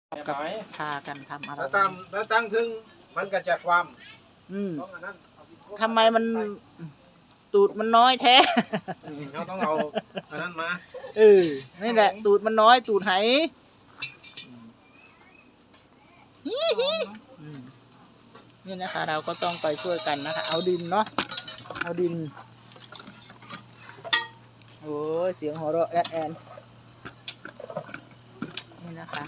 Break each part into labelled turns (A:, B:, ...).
A: กับพากันทำอะไร
B: แล้วตั้งถึงมันก็จะความ
A: ทำไมมันตูดมันน้อยแท้
B: เขาต้องเอาอันนั้นมา
A: นี่แหละตูดมันน้อยตูดไหนี่นะคะเราก็ต้องไปช่วยกันนะคะเอาดินเนาะเอาดินโอ้เสียงหัวเราะแอนนี่นะคะ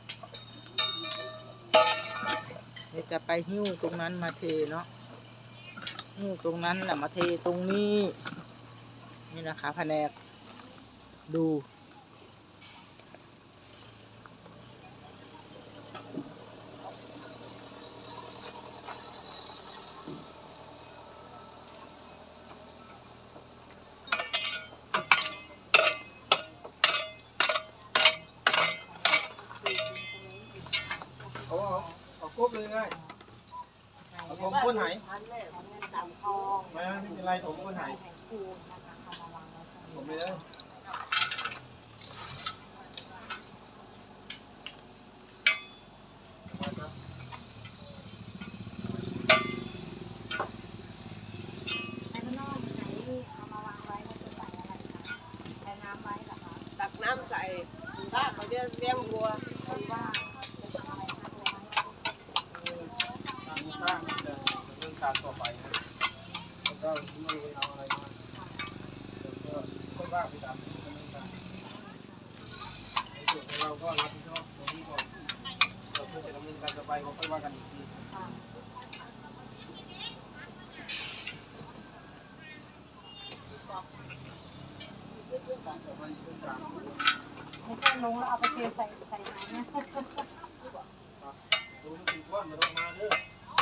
A: เดี๋ยวจะไปหิ้วตรงนั้นมาเทเนาะหิ้วตรงนั้นแหละมาเทตรงนี้นี่นะคะแผนกดู
B: เอาครบเลยไงเอาผมก้นไหนไม่เป็นไรผมก้นไหนผมไม่ได้
C: ตักน้ำใส่ถ้าเขาจะเลี้ยงวัวว่า
B: เรื่องการต่อไปนะแล้วก็ไม่เอาอะไรมาก็ว่าไปตามเรื่องการส่วนเราก็รับผิดชอบตรงนี้ก่อนเราเพื่อจะดำเนินการต่อไปก็ค่อยว่ากันอีกที
C: ไม่ใช่ลงแล้วเอาไปเทใส่ไหนเนี่ย
B: ดูสิก้อนมาลงมาเด้อ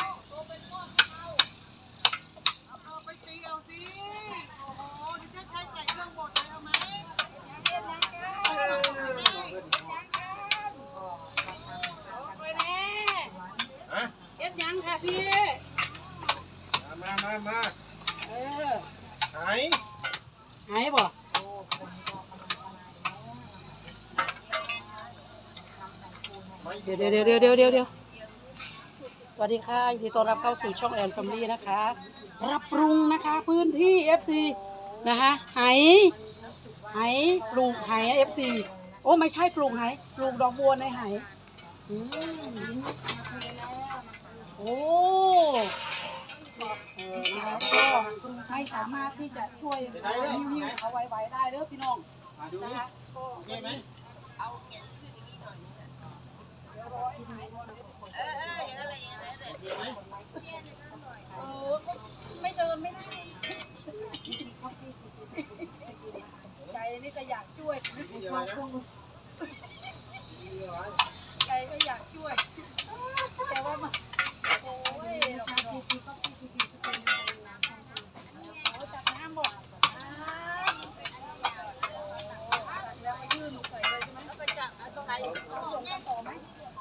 C: เอาไปตีเอาสิโอ้โหดิฉันใช้ใส่เครื่องบดเลยเอาไหมไปแน่เอ็ดยังค่ะพี่
B: มาห
C: ายบ่เดี๋ยวสวัสดีค่ะยินดีต้อนรับเข้าสู่ช่องแอนแฟมิลี่นะคะรับปรุงนะคะพื้นที่ FC นะคะไหปลูกไห FC โอ้ไม่ใช่ปลูกไหปลูกดอกบัวในไหโอ้นะคะก็ไม่สามารถที่จะช่วยหิ้วเอาไว้ได้เด้อพี่น้องนะคะก็เอาเขียนขึ้นอย่างนี้หน่อยไม่เดินไม่ได้ใจนี่ก็อยากช่วยใจก็อยากช่วยแต่ว่ามันโอ้ยจับน้ำบอกแล้วมายื่นใส่เลยใช่ไหมไปจับตรงไหนต่อไหม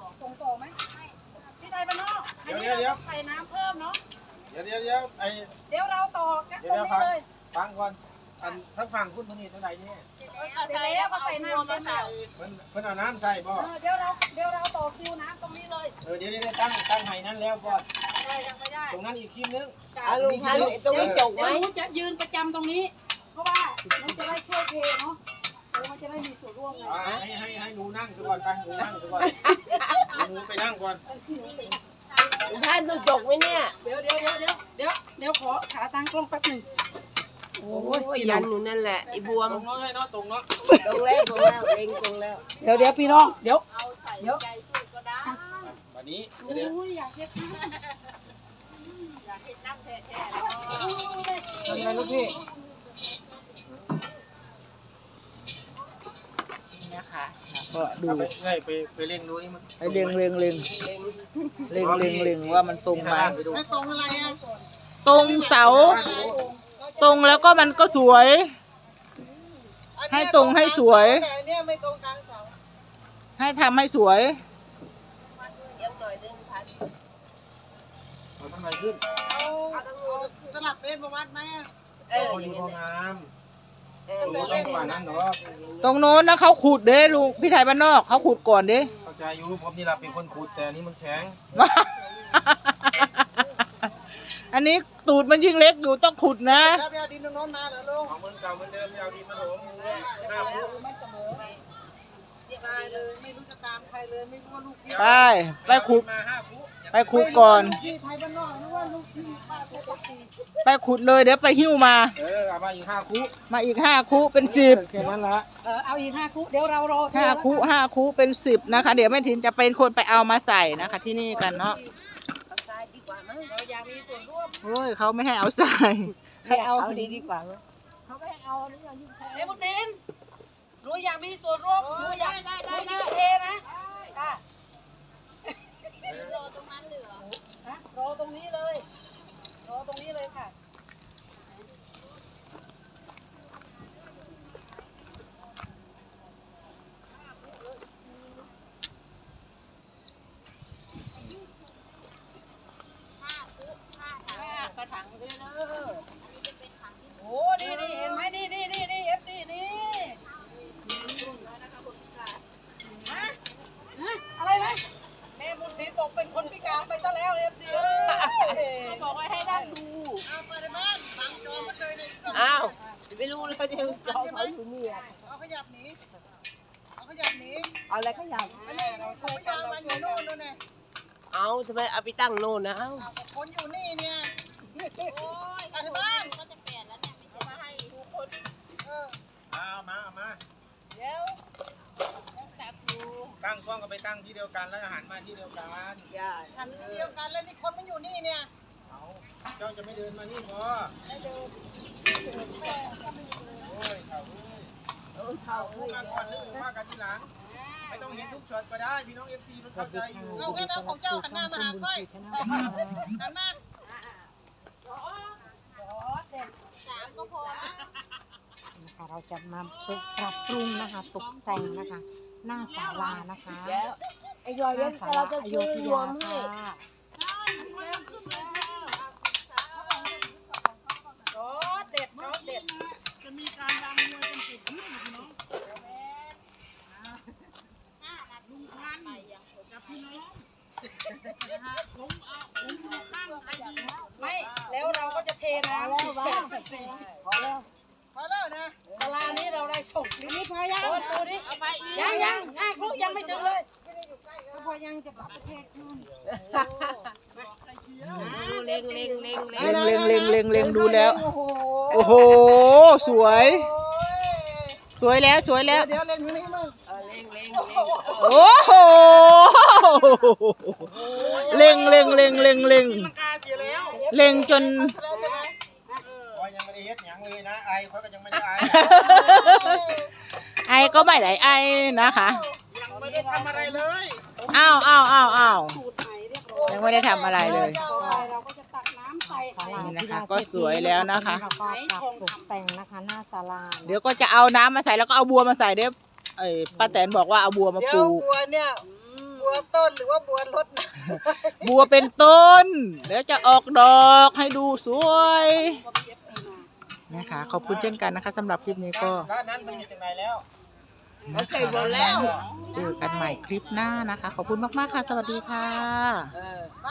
C: พี่ไทยบ้านนอกอันนี้เราใส่น้ำเพิ่มเนาะ
B: เดี๋ยว
C: เราต่อกันตรงนี้เลย
B: ฟังก่อนทั้งฝั่งคุณตรงนี้เท่าไหร่เนี่ย
C: ใส่แล้วก็ใส่น้ำมาใส่
B: เพิ่นเอาน้ำใส่บ่
C: เดี๋ยวเราต่อคิวน้ำตรงนี้เลย
B: เดี๋ยวตั้งไห้นั้นแล้วก่อน
C: ยังไม่ได้
B: ตรงนั้นอีกคิวนึง
C: ลุงพันตรงนี้จบไหมจะยืนประจำตรงนี้เพราะว่ามันจะได้ช่วยเทเนาะมันจะได้มีส่วนร่วมไง
B: ให้หนูนั่งก่อนไปหนูนั่งก่อนหนูไปนั่งก่อน
C: ท่านต้องจบไหมเนี่ยเดี๋ยวขอขาตั้งกล้องแป๊บหนึ่งโอ้ยยันอยู่นั่นแหละไอ้บวม
B: ตรงเนาะให้เนาะตรงแล้ว
C: เล็งตรงแล้วเดี๋ยวพี่น้องเดี๋ยว
B: วันนี้
C: อยากเห็นน้ำแท้ๆ
B: ทำไงลูกพี่
A: นะคะก็ดู
B: ไปเล็งดูนี่มัน
A: ไปเล็งว่ามันตรงไหม
C: ไม่ตรงอะไรอ่ะ
A: ตรงเสาตรงแล้วก็มันก็สวยให้ตรงให้สวย
C: เนี่ยไม่ตรงกลางเสา
A: ให้ทำให้สวย
C: ยังหน่อยนึงพัน
B: เอาทำไมขึ้น
C: เอาสลับเป็นประวัติไหม
B: อยู่พองามตรงนั้นเนาะ
A: ตรงโน้นนะเขาขุดเด้ลุงพี่ไทยบ้านนอกเขาขุดก่อนเด้
B: ใจอยู่ผมนี่แหละเป็นคนขุดแต่อันนี้มันแข็ง
A: อันนี้ตูดมันยิ่งเล็กอยู่ต้องขุดนะ
B: แล้วไปเอาดินตรงโน้นมาเหรอลุงของมันเก่าเหมือนเดิมไปเอาดินมาถม5 ฟุต
C: ไม่เสมอ
B: ตายเลยไม่รู้จะตามใครเลยไม่รู้ว่าลูกพี่
A: ไปขุด
B: มา5 ฟุต
A: ไปขุดก่อน
B: พี่ไทยบ้านนอกนึกว่าลูกพี่ป้าเพชรตี
A: ไปขุดเลยเดี๋ยวไปหิ้วมา
B: เอามาอีก5 ฟุต
A: มาอีก5 คุเป็น 10
B: แค่นั้นละ
C: เอาอีก5 คุเดี๋ยวเรารอ
A: 5 คุเป็น 10นะคะเดี๋ยวแม่ทินจะเป็นคนไปเอามาใส่นะคะ ที่นี่กันเนาะ
C: เราอยากมีส่วนร่วม
A: โอ้ยเขาไม่ให้เอาใส่
C: ให้เอาดีกว่าเขาไม่ให้เอานี่ยิ่งแพงบุญดินหนูอยากมีส่วนร่วมหนูอยากเทนะค่ะรอตรงนั้นเลยเหรอฮะรอตรงนี้เลยรอตรงนี้เลยค่ะกระถางเลยเนอะโอ้นี่เห็นไหมนี่FC นี่อะไรไหมแม่บุญศรีตกเป็นคนพิการไปซะแล้ว FC บอกว่าให้นั่งดู
B: เอาไปในบ้านบังจอมันเลยอีกก่อน
D: อ้าวไม่รู้เลยเขาจะจองเขาอยู่นี่อ่ะ
B: เอาขยับหนีเอาขยับหนี
D: เอาอะไรก็อยาก
B: อันนี้เขาไม่ยอมมันอยู่นู่นนู่นไง
D: เอาทำไมเอาไปตั้งโน่นนะเอ้า
B: เอาแต่คนอยู่นี่เนี่ยโอ้ยไปในบ้านก็จะเปลี่ยนแล้วเนี่ยไม่ใช่มาให้ทุกคนเอามาเดี๋ยวแต่ครูตั้งกล้องก็ไปตั้งที่เดียวกันแล้วหันมาที่เดียวกัน
D: อย่า
B: หันที่เดียวกันแล้วนี่คนมันอยู่นี่เนี่ยเอาเจ้าจะไม่เดินมานี่พอไม่เดินแม่ก็ไม่เดินโอ้ยเขามาก่อนหรือว่ากันทีหลังไม่ต้องเห็นทุกช็อตก็ได้พี่น้อง FC มันเข้าใจอยู่เอาแค่นั้นของเจ้าหันหน้ามาหาค่อยหันมา
E: นะคะเราจะมาปรับปรุงนะคะตกแต่งนะคะ หน้าศาลานะคะ
D: ไอ้ยอย
E: ห
D: เล่
E: น้าน ศา
D: เรา
E: ลา
D: จะ
E: อโย
D: ซื้อ
E: ธ
D: รวย
E: าม
D: ให้
E: ค่ะ
C: รสเด็ด
B: จะมีการรำมวยเป็นจุดขึ้นพี่น้องลุงพันกับพี่น้องผมตั้งใครดี
C: ไม่แล้วเราก็จะเทน้ำแล้วว่าพอแล้วนะ ตลาดนี้เราได้ส่งนี่พอยังดูดิยังครูยังไม่ถึงเลย
E: พอยังจะกลับประเทศนู่น
D: เล็ง
A: เล็งดูแล้ว โอ้โหสวยแล้ว
B: เดี๋ยวเล่นอยู่นี่มึง
A: โอ้โหเล็ง
B: กาเสียแล้ว
A: เล็งจน
B: คอยยังไม่ได้เฮ็ดหยังเลยนะไอคอยก็ยังไม่ได้ไอ
A: ไอก็ไม่ได้ไอนะคะ
B: ยังไม่ได้ทำอะไรเลย
A: อ้าว
C: สูตรใหม่เรียบร้อย
A: ยังไม่ได้ทำอะไรเลย
C: เราก็จะตักน้ำใส่
E: ศาลา
A: นี่
E: ที่
A: นะคะ
E: รา
A: ก็สวยแล้วนะคะ
E: เราก็ปรับตกแต่งนะคะ หน้าศาลา
A: เดี๋ยวก็จะเอาน้ำมาใส่แล้วก็เอาบัวมาใส่เดี๋ยวป้าแตนบอกว่าเอาบัวมา
B: เดี๋ย
A: ป
B: ว
A: ลูก
B: บัวเนี่ยบัวต้นหรือว่าบัวรดนะ
A: บัวเป็นต้นเดี๋ยวจะออกดอกให้ดูสวยนะคะขอบคุณเช่นกันนะคะสำหรับคลิปนี้ก็
B: ร้านนั้นมันอยู่ตรงไหนแล้ว
D: เขาใส่หมดแล้ว
A: เจอกันใหม่คลิปหน้านะคะ ขอบคุณมากๆค่ะ สวัสดีค่ะ